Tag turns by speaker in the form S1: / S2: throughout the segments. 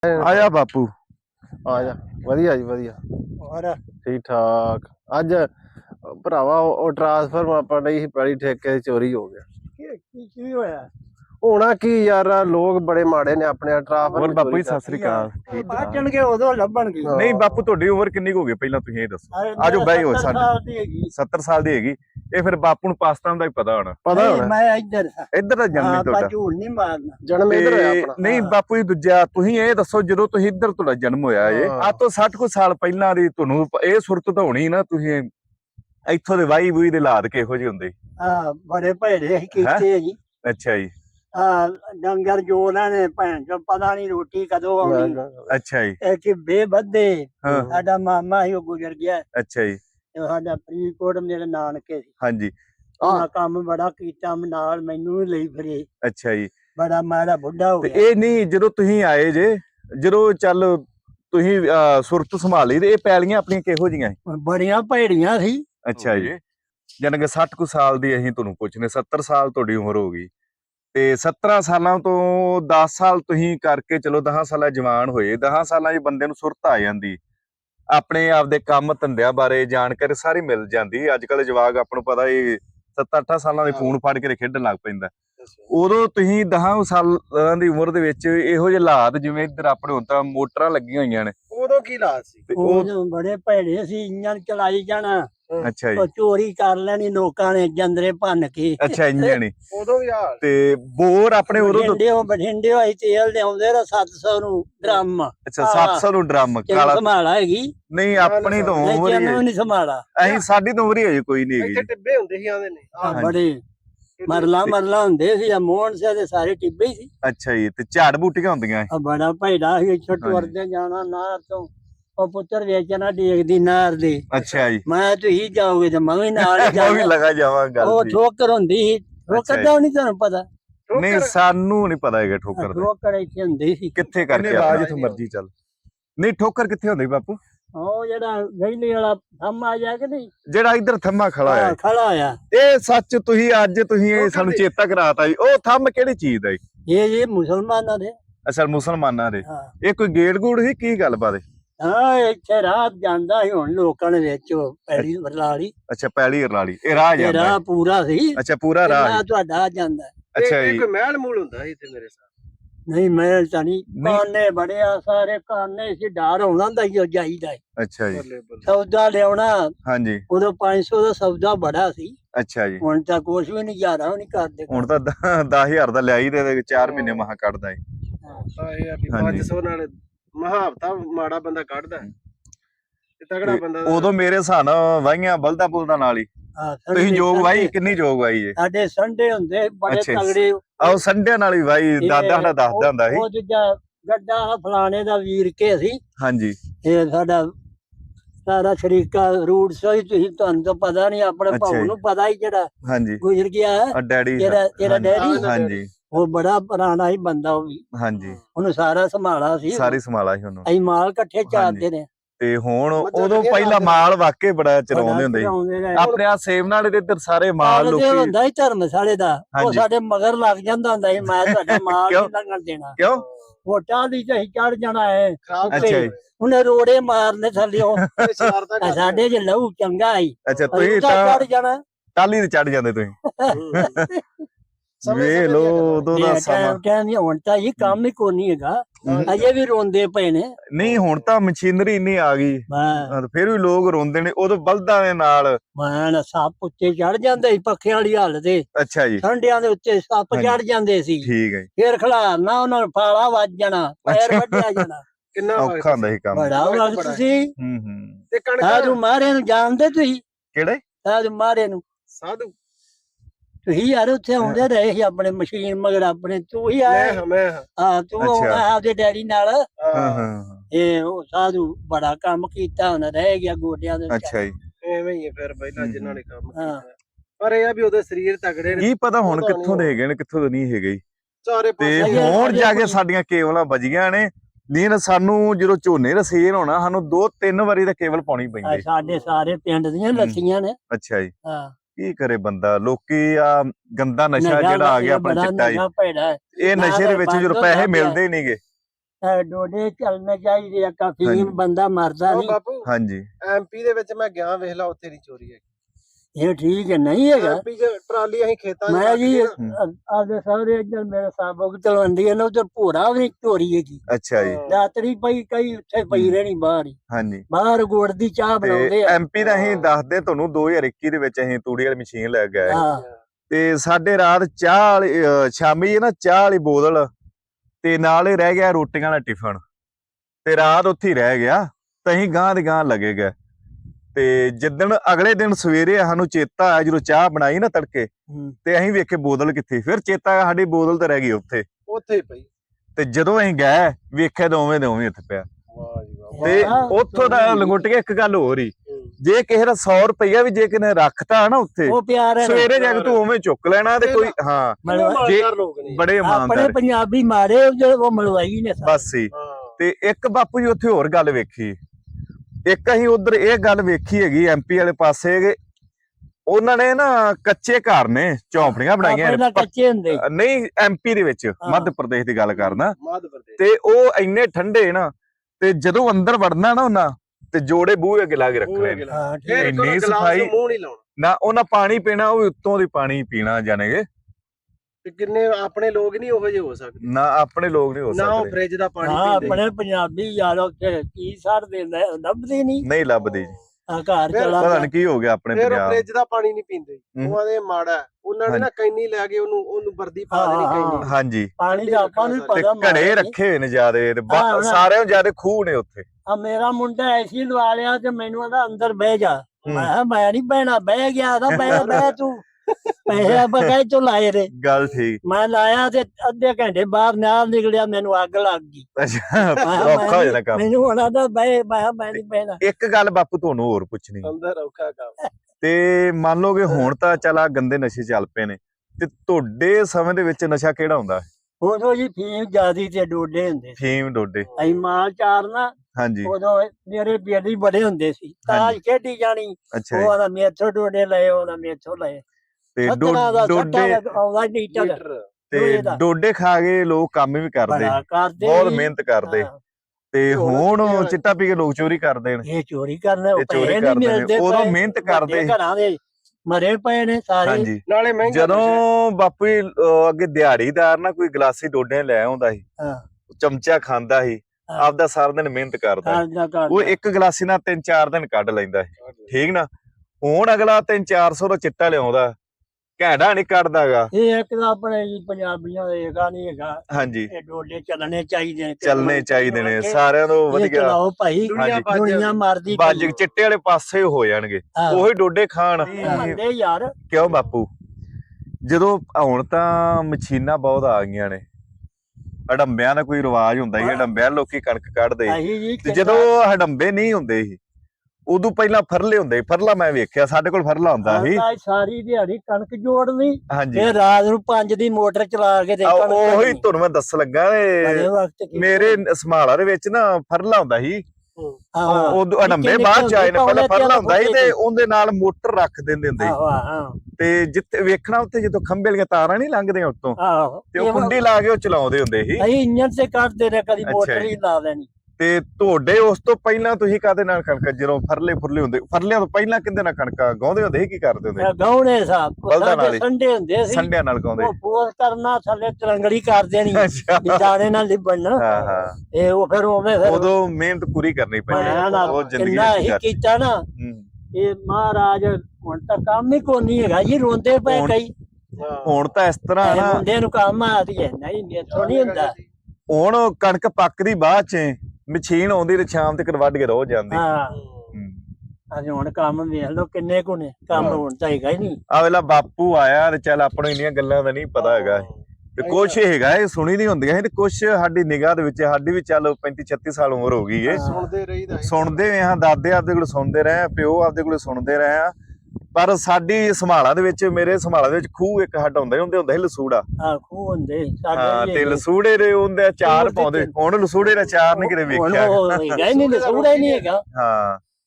S1: ਆ ਜਾ ਬਾਪੂ ਆ ਜਾ। ਵਧੀਆ ਜੀ ਵਧੀਆ।
S2: ਹੋਰ
S1: ਠੀਕ ਠਾਕ। ਅੱਜ ਭਰਾਵਾ ਉਹ ਟਰਾਂਸਫਰ ਆਪਾਂ ਨਹੀਂ ਸੀ ਪੈਲੀ ਠੇਕੇ ਦੀ ਚੋਰੀ ਹੋ ਗਿਆ।
S2: ਕੀ ਹੋਇਆ?
S1: ਹੋਣਾ ਕੀ ਯਾਰ, ਲੋਕ ਬੜੇ ਮਾੜੇ ਨੇ ਆਪਣੇ ਟਰਾਂਸਫਰ।
S3: ਹੋਰ ਬਾਪੂ ਜੀ ਸਤਿ ਸ੍ਰੀ ਅਕਾਲ।
S2: ਬਾਚਣਗੇ ਉਦੋਂ ਲੱਭਣਗੇ।
S3: ਨਹੀਂ ਬਾਪੂ ਤੁਹਾਡੀ ਉਮਰ ਕਿੰਨੀ ਹੋ ਗਈ ਪਹਿਲਾਂ ਤੁਸੀਂ ਇਹ ਦੱਸੋ। ਆਜੋ ਬਈ ਹੋ ਸਾਡੇ 70 ਸਾਲ ਦੀ ਹੈਗੀ। ਇਹ ਫਿਰ ਬਾਪੂ ਨੂੰ ਪਾਕਿਸਤਾਨ ਦਾ ਹੀ ਪਤਾ ਹੋਣਾ।
S1: ਪਤਾ ਹੋਣਾ
S2: ਮੈਂ ਇੱਧਰ
S3: ਇੱਧਰ ਦਾ ਜਨਮ ਹੀ ਤੁਹਾਡਾ।
S2: ਝੂਠ ਨਹੀਂ ਮਾਰਨਾ।
S1: ਜਨਮ ਇੱਧਰ ਹੋਇਆ ਆਪਣਾ।
S3: ਨਹੀਂ ਬਾਪੂ ਜੀ ਦੂਜਾ ਤੁਸੀਂ ਇਹ ਦੱਸੋ ਜਦੋਂ ਤੁਸੀਂ ਇੱਧਰ ਤੁਹਾਡਾ ਜਨਮ ਹੋਇਆ ਏ ਆ ਤੋਂ 60 ਕੁ ਸਾਲ ਪਹਿਲਾਂ ਦੀ ਤੁਹਾਨੂੰ ਇਹ ਸੁਰਤ ਤਾਂ ਹੋਣੀ ਨਾ, ਤੁਸੀਂ ਇੱਥੋਂ ਦੇ ਵਾਈ ਬੂਈ ਦੇ ਹਾਲਾਤ ਕਿਹੋ ਜਿਹੇ ਹੁੰਦੇ?
S2: ਹਾਂ ਬੜੇ ਭੇੜੇ ਕੀਤੇ ਜੀ।
S3: ਅੱਛਾ ਜੀ।
S2: ਡੰਗਰ ਜੋਰਾਂ ਨੇ ਭੈਣ ਚੋ ਪਤਾ ਨਹੀਂ ਰੋਟੀ ਕਦੋਂ ਆਉਣੀ।
S3: ਅੱਛਾ ਜੀ।
S2: ਇਹ ਕਿ ਬੇਬੱਦੇ
S3: ਹਾਂ।
S2: ਸਾਡਾ ਮਾਮਾ ਸੀ ਉਹ ਗੁਜ਼ਰ ਗਿਆ।
S3: ਅੱਛਾ ਜੀ।
S2: ਤੇ ਸਾਡਾ ਫਰੀਦਕੋਟ ਮੇਰੇ ਨਾਨਕੇ ਸੀ।
S3: ਹਾਂਜੀ।
S2: ਉਹਨਾਂ ਕੰਮ ਬੜਾ ਕੀਤਾ, ਨਾਲ ਮੈਨੂੰ ਵੀ ਲਈ ਫਿਰੇ।
S3: ਅੱਛਾ ਜੀ।
S2: ਬੜਾ ਮਾੜਾ ਬੁੱਢਾ ਹੋ
S3: ਤੇ
S2: ਗਿਆ।
S3: ਇਹ ਨਹੀਂ ਜਦੋਂ ਤੁਸੀਂ ਆਏ ਜੇ, ਜਦੋਂ ਚੱਲ ਤੁਸੀਂ ਸੁਰਤ ਸੰਭਾਲੀ ਤੇ ਇਹ ਪੈਲੀਆਂ ਆਪਣੀਆਂ ਕਿਹੋ ਜੀਆਂ?
S2: ਬੜੀਆਂ ਭੇੜੀਆਂ ਸੀ।
S3: ਅੱਛਾ ਜੀ। ਜਾਨ ਕਿ 60 ਕੁ ਸਾਲ ਦੀ ਅਸੀਂ ਤੁਹਾਨੂੰ ਪੁੱਛਨੇ, 70 ਸਾਲ ਤੁਹਾਡੀ ਉਮਰ ਹੋ ਗਈ ਤੇ 17 ਸਾਲਾਂ ਤੋਂ 10 ਸਾਲ ਤੁਸੀਂ ਕਰਕੇ ਚਲੋ 10 ਸਾਲਾਂ ਜਵਾਨ ਹੋਏ। 10 ਸਾਲਾਂ 'ਚ ਬੰਦੇ ਨੂੰ ਸੁਰਤ ਆ ਜਾਂਦੀ, ਆਪਣੇ ਆਪ ਦੇ ਕੰਮ ਧੰਦਿਆਂ ਬਾਰੇ ਜਾਣਕਾਰੀ ਸਾਰੀ ਮਿਲ ਜਾਂਦੀ। ਅੱਜ ਕੱਲ੍ਹ ਜਵਾਕ ਆਪਾਂ ਨੂੰ ਪਤਾ ਇਹ 7-8 ਸਾਲਾਂ ਦੇ ਫੋਨ ਫੜ ਕੇ ਖੇਡਣ ਲੱਗ ਪੈਂਦਾ। ਉਦੋਂ ਤੁਸੀਂ 10 ਸਾਲਾਂ ਦੀ ਉਮਰ ਦੇ ਵਿੱਚ ਇਹੋ ਜਿਹੇ ਹਾਲਾਤ ਜਿਵੇਂ ਇੱਧਰ ਆਪਣੇ ਹੁਣ ਤਾਂ ਮੋਟਰਾਂ ਲੱਗੀਆਂ ਹੋਈਆਂ ਨੇ,
S1: ਉਦੋਂ ਕੀ ਹਾਲਾਤ ਸੀ?
S2: ਉਹ ਬੜੇ ਭੈੜੇ ਸੀ। ਇੰਜਣ ਚਲਾਈ ਜਾਣਾ।
S3: ਅੱਛਾ ਜੀ।
S2: ਚੋਰੀ ਕਰ ਲੈਣੀ ਲੋਕਾਂ ਨੇ ਜੰਦਰੇ ਭੰਨ ਕੇ।
S3: ਅੱਛਾ ਇੰਜਣ ਹੀ
S1: ਉਦੋਂ ਵੀ ਹਾਲ
S3: ਤੇ ਬੋਰ ਆਪਣੇ ਉਦੋਂ ਤੋਂ
S2: ਬਠਿੰਡੇ ਆਈ ਤੇਲ ਲਿਆਉਂਦੇ ਰ 700 ਨੂੰ ਡਰਮ।
S3: ਅੱਛਾ 700 ਨੂੰ ਡਰਮ ਕਾਲਾ
S2: ਸੰਭਾਲਾ ਹੈਗੀ।
S3: ਨਹੀਂ ਆਪਣੀ ਤਾਂ ਉਮਰ ਹੀ
S2: ਨਹੀਂ ਸੰਭਾਲਾ।
S3: ਅਸੀਂ ਸਾਡੀ ਤਾਂ ਉਮਰ ਹੀ ਹੈ ਕੋਈ ਨਹੀਂ ਹੈਗੀ।
S1: ਇੱਥੇ ਟਿੱਬੇ ਹੁੰਦੇ ਸੀ ਆਂਦੇ ਨੇ
S2: ਬੜੇ ਮਰਲਾ ਹੁੰਦੇ ਸੀ। ਮੋਹਨ ਸੇ ਦੇ ਸਾਰੇ ਟਿੱਬੇ ਹੀ ਸੀ।
S3: ਅੱਛਾ ਜੀ। ਤੇ ਝਾੜ ਬੂਟੀਆਂ ਹੁੰਦੀਆਂ?
S2: ਬੜਾ ਭੈੜਾ ਸੀ। ਛੋਟੂ ਵਰਦੇ ਜਾਣਾ ਨਾਰ ਤੋਂ, ਉਹ ਪੁੱਤਰ ਵੇਚਣਾ ਡੇਗਦੀ ਨਾਰ ਦੇ।
S3: ਅੱਛਾ ਜੀ।
S2: ਮੈਂ ਤੁਸੀਂ ਜਾਓਗੇ ਤੇ ਮੈਂ ਵੀ ਨਾਲ ਹੀ
S3: ਮੈਂ ਵੀ ਲਗਾ ਜਾਵਾਂ ਗੱਲ
S2: ਉਹ
S3: ਦੀ।
S2: ਠੋਕਰ ਹੁੰਦੀ ਸੀ। ਠੋਕਰ ਦਾ ਨਹੀਂ ਤੁਹਾਨੂੰ ਪਤਾ?
S3: ਨਹੀਂ ਸਾਨੂੰ ਨਹੀਂ ਪਤਾ ਹੈਗਾ ਠੋਕਰ ਦਾ।
S2: ਠੋਕਰ ਇੱਥੇ ਹੁੰਦੀ ਸੀ।
S3: ਕਿੱਥੇ ਕਰਕੇ ਆਵਾਜ਼ ਜਿੱਥੋਂ ਮਰਜ਼ੀ ਚੱਲ। ਨਹੀਂ ਠੋਕਰ ਕਿੱਥੇ ਹੁੰਦੀ ਬਾਪੂ?
S2: ਉਹ ਜਿਹੜਾ ਗਹਿਲੀ ਵਾਲਾ ਥੰਮ ਆ ਜਾ ਕੇ ਨਹੀਂ,
S3: ਜਿਹੜਾ ਇੱਧਰ ਥੰਮਾ ਖੜਾ ਹੈ।
S2: ਖੜਾ ਹੋਇਆ।
S3: ਇਹ ਸੱਚ ਤੁਸੀਂ ਅੱਜ ਤੁਸੀਂ ਇਹ ਸਾਨੂੰ ਚੇਤਾ ਕਰਾਤਾ ਜੀ। ਉਹ ਥੰਮ ਕਿਹੜੀ ਚੀਜ਼ ਦਾ?
S2: ਇਹ ਮੁਸਲਮਾਨਾਂ ਦੇ।
S3: ਅੱਛਾ ਮੁਸਲਮਾਨਾਂ ਦੇ।
S2: ਹਾਂ।
S3: ਇਹ ਕੋਈ ਗੇੜ ਗੂੜ ਸੀ ਕੀ ਗੱਲਬਾਤ?
S2: ਹਾਂ ਇੱਥੇ ਰਾਹ ਜਾਂਦਾ ਸੀ। ਹੁਣ ਲੋਕਾਂ ਨੇ ਵਿੱਚ ਪੈੜੀ ਵਰਲਾ ਲਈ।
S3: ਅੱਛਾ ਪੈਲੀ ਰਲਾਲੀ ਇਹ ਰਾਹ
S2: ਇਹ
S3: ਜਾਂਦਾ?
S2: ਰਾਹ ਪੂਰਾ ਸੀ।
S3: ਅੱਛਾ ਪੂਰਾ ਰਾਹ
S2: ਰਾਹ ਤੁਹਾਡਾ ਜਾਂਦਾ।
S3: ਅੱਛਾ ਜੀ।
S1: ਕੋਈ ਮਹਿਲ ਮੂਲ ਹੁੰਦਾ ਸੀ ਇੱਥੇ ਮੇਰੇ ਸਾਹ?
S2: ਨਹੀਂ ਮੈਂ ਤਾਂ ਨਹੀਂ।
S3: ਨਹੀਂ।
S2: ਕਾਨੇ ਬੜੇ ਆ ਸਾਰੇ ਕਾਨੇ ਸੀ। ਡਰ ਹੋਣਾ ਹੁੰਦਾ ਸੀ ਜਾਈਦਾ।
S3: ਅੱਛਾ ਜੀ।
S2: ਸੌਦਾ ਲਿਆਉਣਾ
S3: ਹਾਂਜੀ।
S2: ਉਦੋਂ 500 ਦਾ ਸੌਦਾ ਬੜਾ ਸੀ।
S3: ਅੱਛਾ ਜੀ।
S2: ਹੁਣ ਤਾਂ ਕੁਛ ਵੀ ਨਹੀਂ, ਜ਼ਿਆਦਾ ਵੀ ਨਹੀਂ ਕਰਦੇ।
S3: ਹੁਣ ਤਾਂ 10,000 ਦਾ ਲਿਆਈ ਤੇ 4 ਮਹੀਨੇ ਮਹਾ ਕੱਢਦਾ ਹੈ।
S1: ਇਹ ਆ ਵੀ 500 ਨਾਲ ਮਹਾਵਤਾ ਮਾੜਾ ਬੰਦਾ ਕੱਢਦਾ ਤੇ ਤਗੜਾ ਬੰਦਾ।
S3: ਉਦੋਂ ਮੇਰੇ ਹਿਸਾਬ ਨਾਲ ਵਾਹੀਆਂ ਬਲਦਾ ਬੁਲਦਾ ਨਾਲ ਹੀ ਤੁਸੀਂ ਜੋਗ ਵਾਹੀ ਕਿੰਨੀ ਜੋਗ ਵਾਹੀ ਜੇ?
S2: ਸਾਡੇ ਸੰਡੇ ਹੁੰਦੇ ਬੜੇ
S3: ਅੱਛਾ।
S2: ਤਗੜੇ।
S3: ਆਹ ਸੰਡਿਆਂ ਨਾਲ ਹੀ ਵਾਹੀ ਦਾਦਾ ਸਾਡਾ ਦੱਸਦਾ ਹੁੰਦਾ ਸੀ।
S2: ਉਹ ਦੂਜਾ ਗੱਡਾ ਫਲਾਣੇ ਦਾ ਵੀਰ ਕੇ ਸੀ।
S3: ਹਾਂਜੀ।
S2: ਇਹ ਸਾਡਾ ਸਾਰਾ ਸ਼ਰੀਕਾ ਰੂਟ ਸਹੀ। ਤੁਸੀਂ ਤੁਹਾਨੂੰ ਤਾਂ ਪਤਾ ਨਹੀਂ, ਆਪਣੇ ਭਾਉ ਨੂੰ ਪਤਾ ਹੀ ਜਿਹੜਾ
S3: ਹਾਂਜੀ
S2: ਗੁਜ਼ਰ ਗਿਆ
S3: ਡੈਡੀ
S2: ਤੇਰਾ ਡੈਡੀ।
S3: ਹਾਂਜੀ।
S2: ਉਹ ਬੜਾ ਪੁਰਾਣਾ ਹੀ ਬੰਦਾ। ਉਹ ਵੀ
S3: ਹਾਂਜੀ
S2: ਉਹਨੂੰ ਸਾਰਾ ਸੰਭਾਲਾ ਸੀ।
S3: ਸਾਰੀ ਸੰਭਾਲਾ ਸੀ ਉਹਨੂੰ।
S2: ਅਸੀਂ ਮਾਲ ਇਕੱਠੇ ਚਾਰਦੇ ਨੇ।
S3: ਤੇ ਹੁਣ ਉਦੋਂ ਪਹਿਲਾਂ ਮਾਲ ਵਾਕੇ ਬੜਾ ਚਰਾਉਂਦੇ ਹੁੰਦੇ ਸੀ। ਆਪਣੇ ਆ ਸੇਵਨਾਲੇ ਦੇ ਇੱਧਰ ਸਾਰੇ ਮਾਲ ਲੋਕੀ
S2: ਹੁੰਦਾ ਸੀ ਧਰਮਸ਼ਾਲੇ ਦਾ। ਉਹ ਸਾਡੇ ਮਗਰ ਲੱਗ ਜਾਂਦਾ ਹੁੰਦਾ ਸੀ। ਮੈਂ ਤੁਹਾਡਾ ਮਾਲ ਨਹੀਂ ਲੰਘਣ ਦੇਣਾ।
S3: ਕਿਉਂ?
S2: ਵੋਟਾਂ ਦੀ ਤੇ ਚੜ ਜਾਣਾ ਹੈ।
S3: ਅੱਛਾ ਜੀ।
S2: ਉਹਨੇ ਰੋੜੇ ਮਾਰਨੇ ਥੱਲਿਓ। ਸਾਡੇ ਚ ਲਹੂ ਚੰਗਾ ਆਈ।
S3: ਅੱਛਾ ਤੁਸੀਂ
S2: ਚੜ ਜਾਣਾ
S3: ਟਾਲੀ ਤੇ ਚੜ ਜਾਂਦੇ ਤੁਸੀਂ। ਵੇ ਲੋ ਉਦੋਂ ਦਾ ਸਮਾਂ।
S2: ਹੁਣ ਤਾਂ ਇਹ ਕੰਮ ਹੀ ਕੋਈ ਨਹੀਂ ਹੈਗਾ। ਅਜੇ ਵੀ ਰੋਂਦੇ ਪਏ ਨੇ।
S3: ਨਹੀਂ ਹੁਣ ਤਾਂ ਮਸ਼ੀਨਰੀ ਇੰਨੀ ਆ ਗਈ ਫਿਰ ਵੀ ਲੋਕ ਰੋਂਦੇ ਨੇ। ਉਦੋਂ ਬਲਦਾਂ ਦੇ ਨਾਲ
S2: ਮੈਂ ਸੱਪ ਉੱਤੇ ਚੜ ਜਾਂਦੇ ਸੀ ਪੱਖਿਆਂ ਵਾਲੀ ਹਾਲਤ ਤੇ।
S3: ਅੱਛਾ ਜੀ।
S2: ਠੰਡਿਆਂ ਦੇ ਉੱਤੇ ਸੱਪ ਚੜ ਜਾਂਦੇ ਸੀ।
S3: ਠੀਕ ਹੈ।
S2: ਫਿਰ ਖਿਲਾਰਨਾ ਉਹਨਾਂ ਨੂੰ, ਫਾਲਾ ਵੱਜ ਜਾਣਾ, ਪੈਰ ਵੱਢਿਆ ਜਾਣਾ।
S1: ਕਿੰਨਾ
S3: ਔਖਾ ਹੁੰਦਾ ਸੀ ਕੰਮ।
S2: ਬੜਾ ਵਕਤ ਸੀ।
S1: ਤੇ
S2: ਸਾਧੂ ਮਾਰੇ ਨੂੰ ਜਾਣਦੇ ਤੁਸੀਂ?
S3: ਕਿਹੜੇ
S2: ਸਾਧੂ ਮਾਰੇ ਨੂੰ?
S1: ਸਾਧੂ
S2: ਤੁਸੀਂ ਯਾਰ ਉੱਥੇ ਆਉਂਦੇ ਰਹੇ ਸੀ ਆਪਣੇ ਮਸ਼ੀਨ ਮਗਰ ਆਪਣੇ। ਤੂੰ ਹੀ ਆਇਆ? ਹਾਂ ਤੂੰ ਆਉਣਾ ਆਪਦੇ ਡੈਡੀ ਨਾਲ। ਇਹ ਉਹ ਸਾਧੂ ਬੜਾ ਕੰਮ ਕੀਤਾ, ਹੁਣ ਰਹਿ ਗਿਆ ਗੋਡਿਆਂ ਦੇ।
S3: ਅੱਛਾ ਜੀ।
S1: ਐਵੇਂ ਹੀ ਫਿਰ ਪਹਿਲਾਂ ਜਿਨ੍ਹਾਂ ਨੇ ਕੰਮ ਕੀਤਾ। ਪਰ ਇਹ ਆ ਵੀ ਉਹਦੇ ਸਰੀਰ ਤਗੜੇ ਨੇ।
S3: ਕੀ ਪਤਾ ਹੁਣ ਕਿੱਥੋਂ ਦੇ ਹੈਗੇ ਨੇ ਕਿੱਥੋਂ ਦੇ ਨਹੀਂ ਹੈਗੇ।
S1: ਸਾਰੇ
S3: ਤੇ ਹੁਣ ਜਾ ਕੇ ਸਾਡੀਆਂ ਕੇਵਲਾਂ ਵੱਜੀਆਂ ਨੇ। ਨਹੀਂ ਸਾਨੂੰ ਜਦੋਂ ਝੋਨੇ ਦਾ ਸੀਜ਼ਨ ਹੋਣਾ ਸਾਨੂੰ 2-3 ਵਾਰੀ ਤਾਂ ਕੇਵਲ ਪਾਉਣੀ ਪੈਂਦੀ।
S2: ਸਾਡੇ ਸਾਰੇ ਪਿੰਡ ਦੀਆਂ ਲੱਸੀਆਂ ਨੇ।
S3: ਅੱਛਾ ਜੀ।
S2: ਹਾਂ
S3: ਕੀ ਕਰੇ ਬੰਦਾ। ਲੋਕੀ ਆ ਗੰਦਾ ਨਸ਼ਾ ਜਿਹੜਾ ਆ ਗਿਆ ਆਪਣਾ ਚਿੱਟਾ ਜੀ। ਇਹ ਨਸ਼ੇ ਦੇ ਵਿੱਚ ਜਦੋਂ ਪੈਸੇ ਮਿਲਦੇ ਨਹੀਂਗੇ
S2: ਡੋਡੇ ਚੱਲਣੇ ਚਾਹੀਦੇ ਆ ਕਾਫੀ
S3: ਹਾਂਜੀ।
S2: ਬੰਦਾ ਮਰਦਾ
S1: ਉਹ
S2: ਨਹੀਂ
S1: ਬਾਪੂ
S3: ਹਾਂਜੀ
S1: ਐਮਪੀ ਦੇ ਵਿੱਚ ਮੈਂ ਗਿਆ ਵੇਖ ਲਾ ਉੱਥੇ ਨਹੀਂ ਚੋਰੀ ਹੈ
S2: ਇਹ ਠੀਕ ਹੈ ਨਹੀਂ ਹੈਗਾ
S1: ਐਮਪੀ ਚ ਟਰਾਲੀ ਅਸੀਂ ਖੇਤਾਂ 'ਚ
S2: ਮੈਂ
S1: ਰੱਖ
S2: ਜੀ
S1: ਲਈ ਨਾ।
S2: ਆਪਦੇ ਸਾਰੇ ਇੱਧਰ ਮੇਰੇ ਸਾਬਕ ਚਲਵੰਦੀ ਹੈ ਨਾ ਉਧਰ ਭੋਰਾ ਵੀ ਚੋਰੀ ਹੈਗੀ
S3: ਅੱਛਾ ਜੀ
S2: ਦਾਤਰੀ ਪਈ ਕਈ ਉੱਥੇ ਪਈ ਰਹਿਣੀ ਬਾਹਰ ਹੀ
S3: ਹਾਂਜੀ
S2: ਬਾਹਰ ਗੁੜ ਦੀ ਚਾਹ ਬਣਾਉਂਦੇ
S3: ਤੇ
S2: ਆ
S3: ਐਮਪੀ ਦਾ ਅਸੀਂ ਦੱਸਦੇ ਤੁਹਾਨੂੰ 2021 ਦੇ ਵਿੱਚ ਅਸੀਂ ਤੂੜੀ ਵਾਲੀ ਮਸ਼ੀਨ ਲੈ ਕੇ ਆਏ
S2: ਹਾਂ
S3: ਤੇ ਸਾਡੇ ਰਾਤ ਚਾਹ ਵਾਲੀ ਸ਼ਾਮੀ ਨਾ ਚਾਹ ਵਾਲੀ ਬੋਤਲ ਤੇ ਨਾਲ ਹੀ ਰਹਿ ਗਿਆ ਰੋਟੀਆਂ ਦਾ ਟਿਫਨ ਤੇ ਰਾਤ ਉੱਥੇ ਹੀ ਰਹਿ ਗਿਆ ਤੇ ਅਸੀਂ ਗਾਂਹ ਦੇ ਗਾਂਹ ਲੱਗੇ ਗਏ ਤੇ ਜਿੱਦਣ ਅਗਲੇ ਦਿਨ ਸਵੇਰੇ ਸਾਨੂੰ ਚੇਤਾ ਆਇਆ ਜਦੋਂ ਚਾਹ ਬਣਾਈ ਨਾ ਤੜਕੇ ਤੇ ਅਸੀਂ ਵੇਖੇ ਬੋਤਲ ਕਿੱਥੇ ਫਿਰ ਚੇਤਾ ਆਇਆ ਸਾਡੀ ਬੋਤਲ ਤਾਂ ਰਹਿ ਗਈ ਉੱਥੇ
S1: ਉੱਥੇ ਪਈ
S3: ਤੇ ਜਦੋਂ ਅਸੀਂ ਗਏ ਵੇਖਿਆ ਤਾਂ ਉਵੇਂ ਦੇ ਉਵੇਂ ਇੱਥੇ ਪਿਆ
S1: ਵਾਹ ਜੀ ਵਾਹ
S3: ਤੇ
S2: ਵਾਹ,
S3: ਉੱਥੋਂ ਦਾ ਲੰਗੁੱਟ ਕੇ ਇੱਕ ਗੱਲ ਹੋਰ ਹੀ ਜੇ ਕਿਸੇ ਦਾ 100 ਰੁਪਇਆ ਵੀ ਜੇ ਕਿਸੇ ਨੇ ਰੱਖਤਾ ਨਾ ਉੱਥੇ
S2: ਉਹ ਪਿਆਰ ਹੈ ਨਾ।
S3: ਸਵੇਰੇ ਜਾ ਕੇ ਤੂੰ ਉਵੇਂ ਚੁੱਕ ਲੈਣਾ ਤੇ ਕੋਈ ਹਾਂ
S1: ਇਮਾਨਦਾਰ ਲੋਕ ਨੇ
S3: ਬੜੇ
S2: ਆਪਣੇ
S3: ਇਮਾਨਦਾਰ
S2: ਪੰਜਾਬੀ ਮਾੜੇ ਉਹ ਮਲਵਾਈ ਨੇ ਸਾਰੇ।
S3: ਬਸ ਸੀ
S1: ਹਾਂ
S3: ਤੇ ਇੱਕ ਬਾਪੂ ਜੀ ਉੱਥੇ ਹੋਰ ਗੱਲ ਵੇਖੀ ਇੱਕ ਅਸੀਂ ਉਧਰ ਇਹ ਗੱਲ ਵੇਖੀ ਹੈਗੀ ਐਮਪੀ ਵਾਲੇ ਪਾਸੇ ਕਿ ਉਹਨਾਂ ਨੇ ਨਾ ਕੱਚੇ ਘਰ ਨੇ ਝੌਂਪੜੀਆਂ ਬਣਾਈਆਂ
S2: ਪਹਿਲਾਂ
S3: ਨੇ
S2: ਕੱਚੇ ਹੁੰਦੇ
S3: ਨਹੀਂ ਐਮਪੀ ਦੇ ਵਿੱਚ ਮੱਧ ਪ੍ਰਦੇਸ਼ ਦੀ ਗੱਲ ਕਰਨਾ
S1: ਮੱਧ ਪ੍ਰਦੇਸ਼
S3: ਤੇ ਉਹ ਇੰਨੇ ਠੰਡੇ ਨਾ ਤੇ ਜਦੋਂ ਅੰਦਰ ਵੜਨਾ ਨਾ ਉਹਨਾਂ ਤੇ ਜੋੜੇ ਬੂਹੇ ਅੱਗੇ ਲਾ ਕੇ ਰੱਖਣੇ ਨੇ
S2: ਹਾਂ ਠੀਕ
S1: ਫਿਰ
S3: ਇੰਨੀ
S1: ਇੰਨੀ
S3: ਸਫਾਈ।
S1: ਸਫਾਈ ਮੂੰਹ ਨਹੀਂ ਲਾਉਣਾ
S3: ਨਾ ਉਹਨਾਂ ਪਾਣੀ ਪੀਣਾ ਉਹ ਵੀ ਉੱਤੋਂ ਦੀ ਪਾਣੀ ਪੀਣਾ ਜਾਣਗੇ
S1: ਤੇ ਕਿੰਨੇ ਆਪਣੇ ਲੋਕ ਨਹੀਂ ਉਹੋ ਜਿਹੇ ਹੋ ਸਕਦੇ
S3: ਨਾ ਆਪਣੇ ਲੋਕ ਨਹੀਂ ਹੋ
S1: ਨਾ ਉਹ
S3: ਸਕਦੇ
S1: ਫ੍ਰਿਜ ਦਾ ਪਾਣੀ
S2: ਹਾਂ
S1: ਪੀਂਦੇ
S2: ਆਪਣੇ ਪੰਜਾਬੀ ਯਾਰ ਉੱਥੇ ਕੀ ਛੱਡਦੇ ਲੱਭਦੇ ਨਹੀਂ
S3: ਨਹੀਂ ਲੱਭਦੇ ਜੀ
S2: ਆ ਘਰ
S1: ਫਿਰ
S2: ਚਲਾ
S3: ਪਤਾ ਨਹੀਂ ਕੀ ਹੋ ਗਿਆ ਆਪਣੇ
S1: ਫਿਰ ਉਹ
S3: ਪੰਜਾਬ
S1: ਫ੍ਰਿਜ ਦਾ ਪਾਣੀ ਨਹੀਂ ਪੀਂਦੇ
S3: ਹੂੰ।
S1: ਉਹ ਆਦੇ ਮਾੜਾ ਹੈ। ਉਹਨਾਂ ਨੇ ਨਾ ਕੈਨੀ ਲੈ ਕੇ ਉਹਨੂੰ ਵਰਦੀ ਪਾ ਦੇਣੀ
S2: ਹਾਂ,
S1: ਕੈਨੀ
S3: ਹਾਂਜੀ
S2: ਪਾਣੀ ਦਾ ਆਪਾਂ ਨੂੰ
S3: ਤੇ
S2: ਪਤਾ
S3: ਘੜੇ ਰੱਖੇ ਹੋਏ ਨੇ ਜਿਆਦੇ ਤੇ
S2: ਹਾਂ, ਉਹਨਾਂ-
S3: ਸਾਰਿਆਂ ਨੂੰ ਜਿਆਦੇ ਖੂਹ ਨੇ ਉੱਥੇ
S2: ਆ ਮੇਰਾ ਮੁੰਡਾ ਐਸੀ ਲਵਾ ਲਿਆ ਤੇ ਮੈਨੂੰ ਕਹਿੰਦਾ ਅੰਦਰ ਬਹਿ ਜਾ ਮੈਂ ਕਿਹਾ ਮੈਂ ਨਹੀਂ ਬਹਿਣਾ ਬਹਿ ਗਿਆ ਤਾਂ ਬਹਿ ਤੂੰ ਪੈਸੇ ਬਗਾਇ ਤੋਂ ਲਾਏ ਰੇ
S3: ਗੱਲ ਠੀਕ
S2: ਮੈਂ ਲਾਇਆ ਤੇ ਅੱਧੇ ਘੰਟੇ ਬਾਹਰ ਨਾਲ ਨਿਕਲਿਆ ਮੈਨੂੰ ਅੱਗ ਲੱਗ ਗਈ
S3: ਅੱਛਾ
S2: ਮੈਂ ਕਿਹਾ
S3: ਔਖਾ ਹੋ ਜਾਣਾ ਕੰਮ
S2: ਮੈਨੂੰ ਉਹਨਾਂ ਦਾ ਬਹਿ ਮੈਂ ਨਹੀਂ ਬਹਿਣਾ
S3: ਇੱਕ ਗੱਲ ਬਾਪੂ ਤੁਹਾਨੂੰ ਹੋਰ ਪੁੱਛਣੀ
S1: ਅੰਦਰ ਔਖਾ ਕੰਮ
S3: ਤੇ ਮੰਨ ਲਓ ਕਿ ਹੁਣ ਤਾਂ ਚੱਲ ਆਹ ਗੰਦੇ ਨਸ਼ੇ ਚੱਲ ਪਏ ਨੇ ਤੇ ਤੁਹਾਡੇ ਸਮੇਂ ਦੇ ਵਿੱਚ ਨਸ਼ਾ ਕਿਹੜਾ ਹੁੰਦਾ
S2: ਉਦੋਂ ਜੀ ਫੀਮ ਜਿਆਦੀ ਤੇ ਡੋਡੇ ਹੁੰਦੇ ਸੀ
S3: ਫੀਮ ਡੋਡੇ
S2: ਅਸੀਂ ਮਾਲ ਚਾਰਨਾ
S3: ਹਾਂਜੀ
S2: ਉਦੋਂ ਮੇਰੇ ਬੇਲੀ ਬੜੇ ਹੁੰਦੇ ਸੀ ਤਾਜ ਖੇਡੀ ਜਾਣੀ
S3: ਅੱਛਾ ਜੀ
S2: ਉਹ ਆਦਾ ਮੇਥੋਂ ਡੋਡੇ ਲਏ ਉਹਨਾਂ ਮੇਥੋਂ ਲਏ
S3: ਤੇ
S2: ਸੱਤਰਾਂ ਦਾ
S3: ਡੋਡੇ
S2: ਆਉਂਦਾ ਨਹੀਂ ਚੱਲ
S1: ਲੀਟਰ
S3: ਤੇ ਡੋਡੇ ਖਾ ਕੇ ਲੋਕ ਕੰਮ ਵੀ ਕਰਦੇ
S2: ਬੜਾ ਕਰਦੇ
S3: ਬਹੁਤ
S2: ਸੀ।
S3: ਮਿਹਨਤ ਕਰਦੇ
S2: ਹਾਂ,
S3: ਤੇ
S1: ਹੁਣ
S3: ਹੁਣ ਚਿੱਟਾ ਪੀ ਕੇ ਲੋਕ ਚੋਰੀ ਕਰਦੇ ਨੇ
S2: ਇਹ ਚੋਰੀ ਕਰਨਾ
S3: ਇਹ ਚੋਰੀ ਕਰਦੇ ਨੇ ਉਦੋਂ ਮਿਹਨਤ ਕਰਦੇ ਸੀ।
S2: ਘਰਾਂ ਦੇ ਮਰੇ ਪਏ ਨੇ ਸਾਰੇ
S3: ਹਾਂਜੀ
S1: ਨਾਲੇ ਮਹਿੰਗਾ
S3: ਜਦੋਂ ਬਾਪੂ ਜੀ ਅੱਗੇ ਦਿਹਾੜੀਦਾਰ ਨਾ ਕੋਈ ਗਲਾਸੀ ਡੋਡੇ ਲੈ ਆਉਂਦਾ ਸੀ
S2: ਹਾਂ
S3: ਚਮਚਾ ਖਾਂਦਾ ਸੀ
S2: ਹਾਂ।
S3: ਆਪਦਾ ਸਾਰਾ ਦਿਨ ਮਿਹਨਤ ਕਰਦਾ ਸੀ।
S2: ਘਰ ਦਾ
S3: ਉਹ ਇੱਕ ਗਲਾਸੀ ਨਾਲ 3-4 ਦਿਨ ਕੱਢ ਲੈਂਦਾ ਸੀ ਠੀਕ ਨਾ ਹੁਣ ਅਗਲਾ 300-400 ਦਾ ਚਿੱਟਾ ਲਿਆਉਂਦਾ ਘੈਂਡਾ ਨਹੀਂ ਕੱਢਦਾਗਾ
S2: ਇਹ ਇੱਕ ਤਾਂ ਆਪਣੇ ਜੀ ਪੰਜਾਬੀਆਂ ਦਾ ਹੈਗਾ ਨਹੀਂ ਹੈਗਾ
S3: ਹਾਂਜੀ
S2: ਇਹ ਡੋਲੇ ਚੱਲਣੇ ਚਾਹੀਦੇ ਨੇ
S3: ਚੱਲਣੇ ਚਾਹੀਦੇ ਨੇ ਸਾਰਿਆਂ ਤੋਂ
S2: ਇਹ
S3: ਵਧੀਆ
S2: ਚਲਾਓ ਭਾਈ
S1: ਦੁਨੀਆ
S3: ਹਾਂਜੀ।
S1: ਭੱਜ
S2: ਦੁਨੀਆ ਮਰਦੀ
S3: ਬਾਜ ਚਿੱਟੇ ਵਾਲੇ ਪਾਸੇ ਹੋ ਜਾਣਗੇ ਉਹੀ ਡੋਡੇ ਖਾਣ
S2: ਮੰਨਦੇ ਯਾਰ
S3: ਕਿਉਂ ਬਾਪੂ ਜਦੋਂ ਹੁਣ ਤਾਂ ਮਸ਼ੀਨਾਂ ਬਹੁਤ ਆ ਗਈਆਂ ਨੇ ਹਡੰਬਿਆਂ ਦਾ ਕੋਈ ਰਿਵਾਜ ਹੁੰਦਾ ਸੀ ਹਡੰਬਿਆਂ ਲੋਕੀ ਕਣਕ ਕੱਢਦੇ ਸੀ।
S2: ਅਸੀਂ ਜੀ
S3: ਤੇ ਜਦੋਂ ਹਡੰਬੇ ਨਹੀਂ ਹੁੰਦੇ ਸੀ ਉਦੋਂ ਪਹਿਲਾਂ ਫਰਲੇ ਹੁੰਦੇ ਸੀ। ਫਰਲਾ ਮੈਂ ਵੇਖਿਆ ਸਾਡੇ ਕੋਲ ਫਰਲਾ ਹੁੰਦਾ ਸੀ
S2: ਆਹ ਸਾਰੀ ਦਿਹਾੜੀ ਕਣਕ ਜੋੜਨੀ
S3: ਹਾਂਜੀ
S2: ਤੇ ਰਾਤ ਨੂੰ 5 ਦੀ ਮੋਟਰ ਚਲਾ ਕੇ ਤੇ ਕਣਕ
S3: ਉਹੀ
S2: ਕੱਢਣੀ।
S3: ਤੁਹਾਨੂੰ ਮੈਂ ਦੱਸ ਲੱਗਾ
S2: ਬੜੇ
S3: ਤੇ
S2: ਵਕਤ ਕੀ-
S3: ਮੇਰੇ ਸਮਾਲਾ ਦੇ ਵਿੱਚ ਨਾ ਫਰਲਾ ਹੁੰਦਾ ਸੀ
S2: ਆਹੋ,
S3: ਉਹ ਹਡੰਬੇ
S2: ਨਿੱਕੇ
S3: ਬਾਅਦ ਚ ਆਏ ਨੇ
S2: ਨਿੱਕੇ
S3: ਪਹਿਲਾਂ ਫਰਲਾ ਹੁੰਦਾ ਸੀ ਤੇ
S2: ਹੁੰਦੇ
S3: ਉਹਦੇ ਨਾਲ ਮੋਟਰ ਰੱਖ ਦਿੰਦੇ ਹੁੰਦੇ ਸੀ
S2: ਆਹੋ ਆਹੋ
S3: ਤੇ ਜਿੱਥੇ ਵੇਖਣਾ ਉੱਥੇ ਜਦੋਂ ਖੰਭੇ ਵਾਲੀਆਂ ਤਾਰਾਂ ਨਹੀਂ ਲੰਘਦੀਆਂ ਉੱਤੋਂ
S2: ਆਹੋ
S3: ਤੇ ਉਹ ਕੁੰਡੀ ਲਾ ਕੇ ਉਹ ਚਲਾਉਂਦੇ ਹੁੰਦੇ ਸੀ
S2: ਅਸੀਂ ਇੰਜਨ ਤੇ ਕੱਢਦੇ ਰਹੇ ਕਦੀ
S3: ਅੱਛਾ
S2: ਮੋਟਰ
S3: ਜੀ।
S2: ਹੀ ਲਾ ਦੇਣੀ
S3: ਤੇ ਤੁਹਾਡੇ ਉਸ ਤੋਂ ਪਹਿਲਾਂ ਤੁਸੀਂ ਕਾਦੇ ਨਾਲ ਕਣਕ ਜਦੋਂ ਫਰਲੇ ਹੁੰਦੇ ਫਰਲਿਆਂ ਤੋਂ ਪਹਿਲਾਂ ਕਿੰਦੇ ਨਾਲ ਕਣਕਾਂ ਗਾਉਂਦੇ ਹੁੰਦੇ ਸੀ ਕੀ ਕਰਦੇ ਹੁੰਦੇ
S2: ਗਾਉਣੇ ਸਾਹਿਬ
S3: ਬਲਦਾਂ ਨਾਲ ਹੀ।
S2: ਸੰਡੇ ਹੁੰਦੇ ਸੀ
S3: ਸੰਡਿਆਂ ਨਾਲ ਗਾਉਂਦੇ
S2: ਉਹ ਫੋਰਸ ਕਰਨਾ ਥੱਲੇ ਤਰੰਗੜੀ ਕਰ ਦੇਣੀ
S3: ਅੱਛਾ
S2: ਵੀ ਦਾਣੇ ਨਾਲ ਲਿਬਣ
S3: ਹਾਂ ਹਾਂ
S2: ਇਹ ਉਹ ਫਿਰ ਉਵੇਂ ਫਿਰ
S3: ਉਦੋਂ ਮਿਹਨਤ ਪੂਰੀ ਕਰਨੀ ਪੈਂਦੀ
S2: ਮੈਂ
S3: ਹੈ
S2: ਨਾ
S3: ਉਹ ਜ਼ਿੰਦਗੀ
S2: ਕਿੰਨਾ ਹੀ
S3: ਦੀ
S2: ਕੀਤਾ ਨਾ ਇਹ ਮਹਾਰਾਜ ਹੁਣ ਤਾਂ ਕੰਮ ਹੀ ਕੋਈ ਨਹੀਂ ਹੈਗਾ ਜੀ ਰੋਂਦੇ ਪਏ
S3: ਹੁਣ-
S2: ਕਈ
S3: ਹੁਣ ਤਾਂ ਇਸ ਤਰ੍ਹਾਂ
S2: ਇਹ
S3: ਨਾ
S2: ਮੁੰਡੇ ਨੂੰ ਕੰਮ ਆਦੀ ਹੈ ਨਹੀਂ ਮੇਥੋਂ ਨਹੀਂ ਹੁੰਦਾ
S3: ਹੁਣ ਕਣਕ ਪੱਕਦੀ ਬਾਅਦ ਚ ਮਸ਼ੀਨ ਆਉਂਦੀ ਤੇ ਸ਼ਾਮ ਤੱਕ ਵੱਢ ਕੇ ਰੋ ਜਾਂਦੀ
S2: ਹਾਂ
S3: ਹੂੰ।
S2: ਅੱਜ ਹੁਣ ਕੰਮ ਵੇਖ ਲਓ ਕਿੰਨੇ ਕੁ ਨੇ ਕੰਮ
S3: ਹਾਂ।
S2: ਹੁਣ ਤਾਂ ਹੈਗਾ ਹੀ ਨਹੀਂ
S3: ਆ ਵੇਲਾ ਬਾਪੂ ਆਇਆ ਤੇ ਚੱਲ ਆਪਾਂ ਨੂੰ ਇੰਨੀਆਂ ਗੱਲਾਂ ਦਾ ਨਹੀਂ ਪਤਾ ਹੈਗਾ ਤੇ ਕੁਛ ਹੈਗਾ ਇਹ ਸੁਣੀ ਨਹੀਂ ਹੁੰਦੀਆਂ ਸੀ ਤੇ ਕੁਛ ਸਾਡੀ ਨਿਗਾਹ ਦੇ ਵਿੱਚ ਸਾਡੀ ਵੀ ਚੱਲ 35-36 ਸਾਲ ਉਮਰ ਹੋ ਗਈ ਏ
S1: ਸੁਣਦੇ ਰਹੀਦਾ ਸੀ।
S3: ਸੁਣਦੇ ਵੀ ਹਾਂ ਦਾਦੇ ਆਪਦੇ ਕੋਲ ਸੁਣਦੇ ਰਹੇ ਆ ਪਿਓ ਆਪਦੇ ਕੋਲ ਸੁਣਦੇ ਰਹੇ ਆ ਪਰ ਸਾਡੀ ਸੰਭਾਲਾ ਦੇ ਵਿੱਚ ਮੇਰੇ ਸੰਭਾਲਾ ਦੇ ਵਿੱਚ ਖੂਹ ਇੱਕ ਹੱਟ ਹੁੰਦਾ ਸੀ ਲਸੂੜਾ
S2: ਆ ਖੂਹ ਹੁੰਦੇ
S3: ਹਾਂ
S2: ਸਾਡੇ
S3: ਤੇ ਲਸੂੜੇ ਦੇ ਉਹਦੇ ਅਚਾਰ
S2: ਲਸੂੜੇ
S3: ਪਾਉਂਦੇ ਹੁਣ ਲਸੂੜੇ ਦਾ ਅਚਾਰ ਨਹੀਂ ਕਿਤੇ ਵੇਖਿਆ
S2: ਹੈਗਾ ਹੀ ਨਹੀਂ ਲਸੂੜਾ ਹੀ ਨਹੀਂ ਹੈਗਾ
S3: ਹਾਂ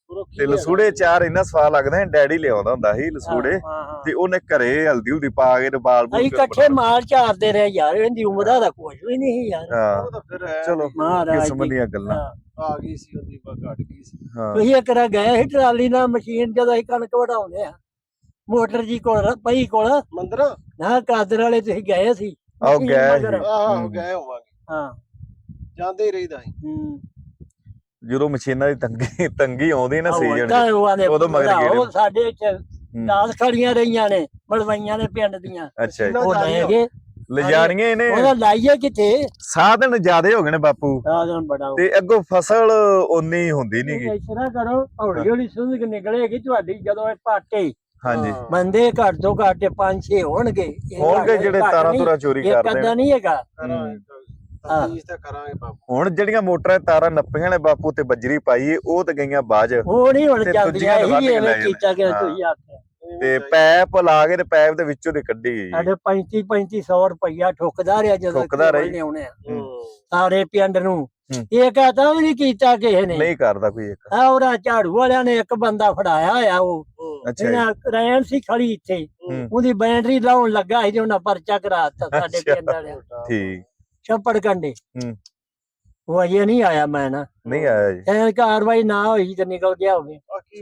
S3: ਤੇ ਲਸੂੜੇ ਚਾਰ ਇੰਨਾ ਸਵਾਦ ਲੱਗਦਾ ਹੈ। ਡੈਡੀ ਲਿਆਉਂਦਾ ਹੁੰਦਾ ਸੀ ਲਸੂੜੇ ਤੇ ਉਹਨੇ ਘਰੇ ਹਲਦੀ ਹੁਲਦੀ ਪਾ ਕੇ ਤੇ ਬਾਲ ਬੂਲ
S2: ਅਸੀਂ ਇਕੱਠੇ ਮਾਲ ਝਾੜਦੇ ਰਹੇ ਯਾਰ, ਇਹਦੀ ਉਮਰ ਦਾ ਕੁਝ ਵੀ ਨਹੀਂ ਸੀ ਯਾਰ।
S3: ਹਾਂ
S1: ਤਾਂ ਫਿਰ
S3: ਚਲੋ ਕਿਸਮ ਦੀਆਂ ਗੱਲਾਂ
S1: ਆ ਗਈ ਸੀ ਉਹਦੀ ਘਟ ਗਈ ਸੀ।
S2: ਤੁਸੀਂ ਇੱਕ ਰਾ ਗਏ ਸੀ ਟਰਾਲੀ ਨਾਲ ਮਸ਼ੀਨ ਜਦੋਂ ਅਸੀਂ ਕਣਕ ਵਢਾਉਂਦੇ ਆ ਮੋਟਰ ਜੀ ਕੋਲ ਪਈ ਕੋਲ
S1: ਮੰਦਰਾ
S2: ਨਾ ਕਾਦਰ ਵਾਲੇ ਤੁਸੀਂ ਗਏ ਸੀ।
S3: ਆਹ ਗਏ
S1: ਆਹੋ ਗਏ ਹੋਵਾਂਗੇ।
S2: ਹਾਂ
S1: ਜਾਂਦੇ ਹੀ ਰਹੀਦਾ ਸੀ।
S3: ਜਦੋਂ ਮਸ਼ੀਨਾਂ ਦੀ ਤੰਗੀ ਆਉਂਦੀ ਨਾ ਸੀਜ਼ਨ
S2: ਉਦੋਂ ਮਗਰ ਸਾਡੇ ਇੱਥੇ 10 ਖੜੀਆਂ ਰਹੀਆਂ ਨੇ ਮਲਵਈਆਂ ਨੇ ਪਿੰਡ ਦੀਆਂ।
S3: ਅੱਛਾ ਜੀ
S2: ਉਹ ਲੈ ਗਏ
S3: ਲਿਜਾਣੀਆਂ ਇਹਨੇ
S2: ਉਹਦਾ ਲਾਈਏ ਕਿੱਥੇ
S3: ਸਾਧਨ ਜ਼ਿਆਦੇ ਹੋ ਗਏ ਨੇ ਬਾਪੂ
S2: ਸਾਧਨ ਬੜਾ
S3: ਤੇ ਅੱਗੋਂ ਫਸਲ ਓਨੀ ਹੁੰਦੀ ਨੀ ਗੀ।
S2: ਇਸ ਤਰ੍ਹਾਂ ਕਰੋ ਹੌਲੀ ਹੌਲੀ ਸੁੰਘ ਨਿਕਲੇਗੀ ਤੁਹਾਡੀ ਜਦੋਂ ਇਹ ਪਾਟੇ
S3: ਹਾਂਜੀ
S2: ਬੰਦੇ ਘੱਟ ਤੋਂ ਘੱਟ 5-6 ਹੋਣਗੇ
S3: ਜਿਹੜੇ ਤਾਰਾਂ ਤੁਰਾਂ ਚੋਰੀ ਕਰਦੇ
S2: ਨੇ ਨਹੀਂ ਹੈਗਾ।
S1: ਕਰਾਂਗੇ ਬਾਪੂ।
S3: ਹੁਣ ਜਿਹੜੀਆਂ ਮੋਟਰਾਂ ਤਾਰਾਂ ਨੱਪੀਆਂ ਨੇ ਬਾਪੂ ਤੇ ਬੱਜਰੀ ਪਾਈ ਉਹ ਤੇ ਗਈਆਂ ਬਾਜ
S2: ਉਹ ਨਹੀਂ ਹੁਣ ਚੱਲਦੀਆਂ ਇਹੀ ਐਵੇਂ ਕੀਤਾ ਕਿ ਤੁਸੀਂ ਆਖਿਆ
S3: ਤੇ ਪੈਪ ਲਾ ਕੇ ਤੇ ਪੈਪ ਦੇ ਵਿੱਚੋਂ ਦੀ ਕੱਢੀ ਗਈ
S2: ਸਾਡੇ 3500 ਰੁਪਇਆ ਠੁੱਕਦਾ ਰਿਹਾ ਜਦੋਂ ਲਿਆਉਣੇ ਆ ਸਾਰੇ ਪਿੰਡ ਨੂੰ। ਇਹ ਕਹਤਾ ਵੀ ਨਹੀਂ ਕੀਤਾ ਕਿਸੇ ਨੇ,
S3: ਨਹੀਂ ਕਰਦਾ ਕੋਈ ਇੱਕ
S2: ਉਹਦਾ ਝਾੜੂ ਵਾਲਿਆਂ ਨੇ ਇੱਕ ਬੰਦਾ ਫੜਾਇਆ ਹੋਇਆ ਉਹ ਰੈਣ ਸੀ ਖੜੀ ਇੱਥੇ ਉਹਦੀ ਬੈਟਰੀ ਲਾਉਣ ਲੱਗਾ ਸੀ ਤੇ ਉਹਨਾਂ ਪਰਚਾ ਕਰਾ ਦਿੱਤਾ ਸਾਡੇ ਪਿੰਡ ਵਾਲਿਆਂ।
S3: ਠੀਕ
S2: ਛੱਪੜ ਕੰਡੇ ਉਹ ਅਜੇ ਨਹੀਂ ਆਇਆ। ਮੈਂ ਨਾ
S3: ਨਹੀਂ ਆਇਆ ਜੀ
S2: ਕਾਰਵਾਈ ਨਾ ਹੋਈ ਤੇ ਨਿਕਲ ਗਿਆ ਹੋਵੇ।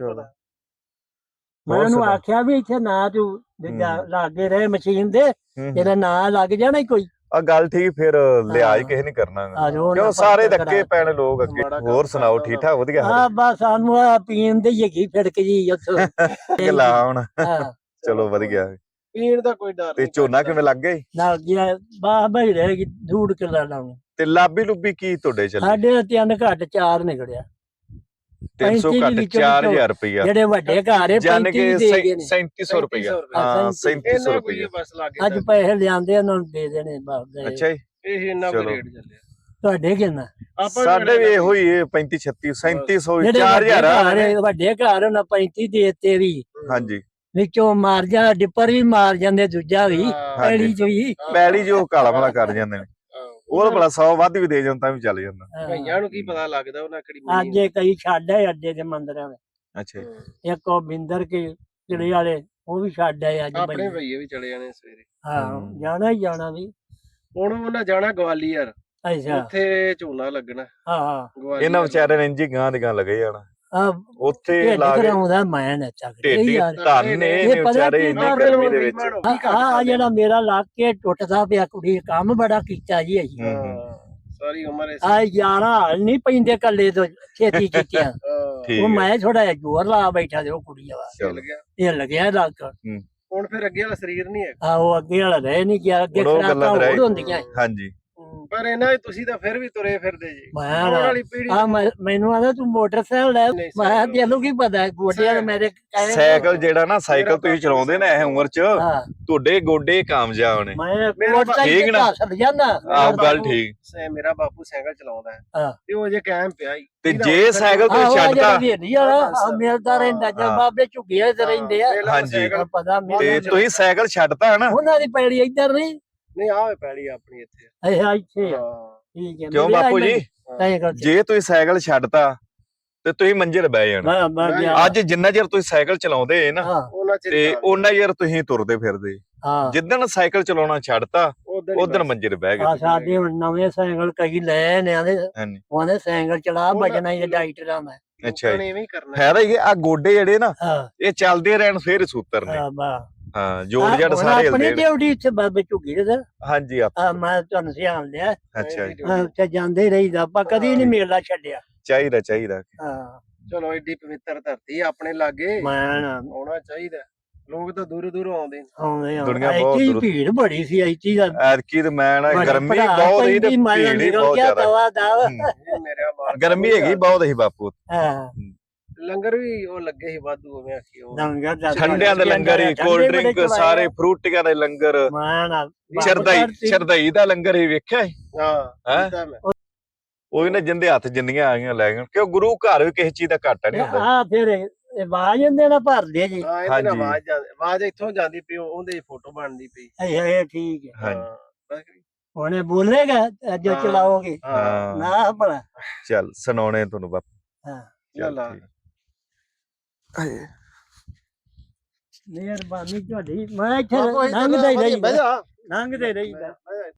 S2: ਮੈਂ ਉਹਨੂੰ ਆਖਿਆ ਵੀ ਇੱਥੇ ਨਾ ਤੂੰ ਲਾਗੇ ਰਹੇ ਮਸ਼ੀਨ ਦੇ ਇਹਦਾ ਨਾਂ ਲੱਗ ਜਾਣਾ ਕੋਈ
S3: ਆ ਗੱਲ ਠੀਕ ਫਿਰ ਲਿਆਜ ਕਿਸੇ ਨਹੀਂ ਕਰਨਾ ਕਿਉਂ ਸਾਰੇ ਧੱਕੇ ਪੈਣ ਲੋਕ ਅੱਗੇ। ਹੋਰ ਸੁਣਾਓ ਠੀਕ ਠਾਕ ਵਧੀਆ?
S2: ਹਾਂ ਬਸ ਸਾਨੂੰ ਆ ਪੀਣ ਦੀ ਹੈਗੀ ਫਿੜਕ ਜੀ ਉੱਥੋਂ
S3: ਲਾਉਣ ਚਲੋ ਵਧੀਆ
S1: ਪੀਣ ਦਾ ਕੋਈ ਡਰ
S3: ਤੇ ਝੋਨਾ ਕਿਵੇਂ ਲੱਗ ਗਿਆ?
S2: ਲੱਗ ਗਿਆ ਬਾਹ ਬਈ ਰਹੇਗੀ ਧੂੜ ਕਿੱਲਾ ਲਾਉਣੀ।
S3: ਤੇ ਲਾਬੀ ਲੁੱਬੀ ਕੀ ਤੁਹਾਡੇ ਚੱਲੇ?
S2: ਸਾਡੇ 3 ਘੱਟ 4 ਨਿਕੜਿਆ
S3: 300 ਘੱਟ 4000 ਰੁਪਇਆ
S2: ਜਿਹੜੇ ਵੱਡੇ ਘਰ ਹੈ
S3: 3700 ਰੁਪਇਆ। ਹਾਂ 3700 ਰੁਪਇਆ
S1: ਬਸ ਲੱਗ
S2: ਅੱਜ ਪੈਸੇ ਲਿਆਂਦੇ ਉਹਨਾਂ ਨੂੰ ਦੇ ਦੇਣੇ ਬਸ।
S3: ਅੱਛਾ ਜੀ
S1: ਇਹ ਇੰਨਾ ਕੁ ਰੇਟ ਚੱਲਿਆ
S2: ਤੁਹਾਡੇ ਕਿੰਨਾ?
S3: ਸਾਡੇ ਵੀ ਇਹੋ ਹੀ 35 36 3700 4000
S2: ਵੱਡੇ ਘਰ ਉਹਨਾਂ 35 ਦੇਤੇ ਵੀ।
S3: ਹਾਂਜੀ
S2: ਵਿੱਚੋਂ ਮਾਰ ਜਾ ਡਿੱਪਰ ਵੀ ਮਾਰ ਜਾਂਦੇ ਦੂਜਾ ਵੀ ਪੈਲੀ ਚ ਵੀ
S3: ਪੈਲੀ ਜੋ ਕਾਲਾ ਵਾਲਾ ਕਰ ਜਾਂਦੇ ਨੇ ਉਹ ਭਲਾ 100 ਵੱਧ ਵੀ ਦੇ ਜਾਣ ਤਾਂ ਵੀ ਚੱਲ ਜਾਂਦਾ।
S1: ਭਈਆਂ ਨੂੰ ਕੀ ਪਤਾ ਲੱਗਦਾ ਉਹਨਾਂ ਕਿਹੜੀ
S2: ਅੱਜ ਕਈ ਛੱਡ ਆਏ ਅੱਡੇ ਦੇ ਮੰਦਰਾਂ ਵਿੱਚ।
S3: ਅੱਛਾ
S2: ਇੱਕ ਉਹ ਬਿੰਦਰ ਕੇ ਜਿਹੜੇ ਵਾਲੇ ਉਹ ਵੀ ਛੱਡ ਆਏ ਅੱਜ।
S1: ਆਪਣੇ ਭਈਏ ਵੀ ਚਲੇ ਜਾਣੇ ਸਵੇਰੇ।
S2: ਹਾਂ ਜਾਣਾ ਹੀ ਜਾਣਾ ਵੀ।
S1: ਹੁਣ ਉਹਨਾਂ ਜਾਣਾ ਗਵਾਲੀਅਰ।
S2: ਅੱਛਾ
S1: ਉੱਥੇ ਝੋਨਾ ਲੱਗਣਾ।
S2: ਹਾਂ
S3: ਇਹਨਾਂ ਵਿਚਾਰਿਆਂ ਨੇ ਇੰਜੀ ਗਾਂ ਦੀ ਗਾਂ ਲੱਗੇ ਜਾਣਾ ਉੱਥੇ ਲਾ ਕੇ
S2: ਮੈਂ ਨਾ
S3: ਢੇਡੀ ਧੰਨ ਨੇ ਵਿਚਾਰੇ ਇੰਨੀ ਗਰਮੀ ਦੇ ਵਿੱਚ।
S2: ਆ ਜਿਹੜਾ ਮੇਰਾ ਲੱਗ ਕੇ ਟੁੱਟਦਾ ਪਿਆ ਕੁੜੀ ਕੰਮ ਬੜਾ ਕੀਤਾ ਜੀ ਅਸੀਂ
S1: ਸਾਰੀ ਉਮਰ
S2: ਆ ਯਾਰਾਂ ਹਾਲ ਨਹੀਂ ਪੈਂਦੇ ਕੱਲੇ ਤੋਂ ਛੇਤੀ ਕੀਤੀਆਂ। ਉਹ ਮੈਂ ਥੋੜਾ ਜਿਹਾ ਜ਼ੋਰ ਲਾ ਬੈਠਾ ਤੇ ਉਹ ਕੁੜੀ ਆ ਇਹ ਲੱਗਿਆ ਲੱਗ।
S1: ਹੁਣ ਫਿਰ ਅੱਗੇ ਵਾਲਾ ਸਰੀਰ ਨਹੀਂ ਹੈ।
S2: ਉਹ ਅੱਗੇ ਵਾਲਾ ਰਹਿ ਨਹੀਂ ਗਿਆ ਅੱਗੇ ਖਰਾਕਾਂ ਹੋਰ ਹੁੰਦੀਆਂ।
S3: ਹਾਂਜੀ
S1: ਪਰ ਇਹਨਾਂ ਤੁਸੀਂ ਤਾਂ ਫਿਰ ਵੀ ਤੁਰੇ ਫਿਰਦੇ ਜੀ।
S2: ਮੈਨੂੰ ਆਦਾ ਤੂੰ ਮੋਟਰਸਾਈਕਲ ਲੈ ਮੈਂ ਤੈਨੂੰ ਕੀ ਪਤਾ ਗੋਡਿਆਂ ਮੇਰੇ
S3: ਸਾਈਕਲ ਜਿਹੜਾ ਨਾ ਸਾਈਕਲ ਤੁਸੀਂ ਚਲਾਉਂਦੇ ਨਾ ਇਹ ਉਮਰ ਚ ਤੁਹਾਡੇ ਗੋਡੇ ਕਾਮਯਾਬ ਨੇ।
S2: ਠੀਕ ਨਾ
S3: ਆਹ ਗੱਲ ਠੀਕ।
S1: ਮੇਰਾ ਬਾਪੂ ਸਾਈਕਲ ਚਲਾਉਂਦਾ ਤੇ ਉਹ ਜੇ ਕਾਇਮ ਪਿਆ ਹੀ
S3: ਤੇ ਜੇ ਸਾਈਕਲ ਤੁਸੀਂ ਛੱਡਤਾ
S2: ਮਿਲਦਾ ਰਹਿੰਦਾ ਜਦ ਬਾਬੇ ਝੁੱਗੀਆਂ ਤੇ ਰਹਿੰਦੇ ਆ।
S3: ਹਾਂਜੀ
S2: ਪਤਾ
S3: ਤੇ ਤੁਸੀਂ ਸਾਈਕਲ ਛੱਡਤਾ ਨਾ
S2: ਉਹਨਾਂ ਦੀ ਪੈੜੀ ਇੱਧਰ ਨਹੀਂ
S1: ਆਵੇ ਪੈੜੀ ਆਪਣੀ ਇੱਥੇ
S2: ਇੱਥੇ
S3: ਠੀਕ ਹੈ। ਕਿਉਂ ਬਾਪੂ ਜੀ ਜੇ ਤੁਸੀਂ ਸਾਈਕਲ ਛੱਡਤਾ ਤੇ ਤੁਸੀਂ ਮੰਜੇ ਤੇ ਬਹਿ ਜਾਣਾ। ਅੱਜ ਜਿੰਨਾ ਚਿਰ ਤੁਸੀਂ ਸਾਈਕਲ ਚਲਾਉਂਦੇ ਨਾ ਤੇ ਉਹਨਾਂ ਚਿਰ ਤੁਸੀਂ ਤੁਰਦੇ ਫਿਰਦੇ। ਜਿੱਦਣ ਸਾਈਕਲ ਚਲਾਉਣਾ ਛੱਡਤਾ ਉਦੋਂ ਮੰਜੇ ਤੇ ਬਹਿ ਗਏ।
S2: ਸਾਡੇ ਹੁਣ ਨਵੇਂ ਸਾਈਕਲ ਕਈ ਲੈ ਨੇ ਉਹਨੇ ਸਾਈਕਲ ਚਲਾ ਬਜਣਾ ਹੀ ਡਾਈਟਰਾਂ ਦਾ।
S3: ਅੱਛਾ ਹੈ ਤਾਂ ਆ ਗੋਡੇ ਜਿਹੜੇ ਨਾ ਇਹ ਚੱਲਦੇ ਰਹਿਣ ਫੇਰ ਸੂਤਰ ਨੇ। ਹਾਂ ਜੋੜ ਜੜ ਸਾਰੇ
S2: ਆਪਣੀ ਡਿਊਟੀ ਇੱਥੇ ਬਾਬੇ ਝੁੱਗੀ ਦੇ
S3: ਹਾਂਜੀ
S2: ਮੈਂ ਤੁਹਾਨੂੰ ਸਿਆਣ ਲਿਆ।
S3: ਅੱਛਾ ਜੀ
S2: ਉੱਥੇ ਜਾਂਦੇ ਰਹੀਦਾ ਆਪਾਂ ਕਦੀ ਨਹੀਂ ਮੇਲਾ ਛੱਡਿਆ।
S3: ਚਾਹੀਦਾ
S2: ਹਾਂ
S1: ਚਲੋ ਏਡੀ ਪਵਿੱਤਰ ਧਰਤੀ ਆਪਣੇ ਲਾਗੇ ਆਉਣਾ ਚਾਹੀਦਾ। ਲੋਕ ਤਾਂ ਦੂਰੋਂ ਆਉਂਦੇ
S3: ਦੁਨੀਆ ਬਹੁਤ ਦੂਰ
S2: ਭੀੜ ਬੜੀ ਸੀ ਐਤੀ ਦਾ
S3: ਐਤਕੀ ਤੇ ਮੈਂ ਨਾ ਗਰਮੀ ਬਹੁਤ ਸੀ ਤੇ ਭੀੜ ਹੀ ਬਹੁਤ ਜ਼ਿਆਦਾ ਗਰਮੀ ਹੈਗੀ ਬਹੁਤ ਸੀ ਬਾਪੂ।
S1: ਲੰਗਰ ਵੀ ਉਹ ਲੱਗੇ ਸੀ ਵਾਧੂ ਉਵੇਂ ਆਖੀ ਉਹ
S3: ਠੰਡਿਆਂ ਦੇ ਲੰਗਰ ਹੀ ਕੋਲਡ ਡਰਿੰਕ ਸਾਰੇ ਫਰੂਟੀਆਂ ਦੇ ਲੰਗਰ ਸ਼ਰਦਾਈ ਦਾ ਲੰਗਰ ਹੀ ਵੇਖਿਆ। ਹਾਂ ਉਹ ਨਾ ਜਿੰਦੇ ਹੱਥ ਜਿੰਨੀਆਂ ਆ ਗਈਆਂ ਲੈ ਗਏ ਕਿਉਂ ਗੁਰੂ ਘਰ ਵੀ ਕਿਸੇ ਚੀਜ਼ ਦਾ ਘਾਟਾ ਨਹੀਂ ਹੁੰਦਾ।
S2: ਹਾਂ ਫਿਰ ਆਵਾਜ਼ ਇਹਦੇ ਨਾਲ ਭਰਦੇ ਜੀ।
S1: ਹਾਂਜੀ ਆਵਾਜ਼ ਇੱਥੋਂ ਜਾਂਦੀ ਪਈ ਉਹਦੇ ਫੋਟੋ ਬਣਦੀ ਪਈ।
S2: ਇਹ ਠੀਕ ਹੈ।
S3: ਹਾਂਜੀ
S2: ਉਹਨੇ ਬੋਲੇਗਾ ਅੱਜ ਚਲਾਓਗੇ ਨਾ ਭਲਾ
S3: ਚੱਲ ਸੁਣਾਉਣੇ ਤੁਹਾਨੂੰ ਬਾਪੂ।
S1: ਹਾਂ ਚੱਲ
S2: ਮਿਹਰਬਾਨੀ ਤੁਹਾਡੀ ਮੈਂ ਇੱਥੇ
S1: ਬਾਪੂ
S2: ਲੰਘਦਾ ਹੀ
S1: ਬਹਿ
S2: ਰਹੀਦਾ
S1: ਜਾ
S2: ਲੰਘਦੇ ਰਹੀਦਾ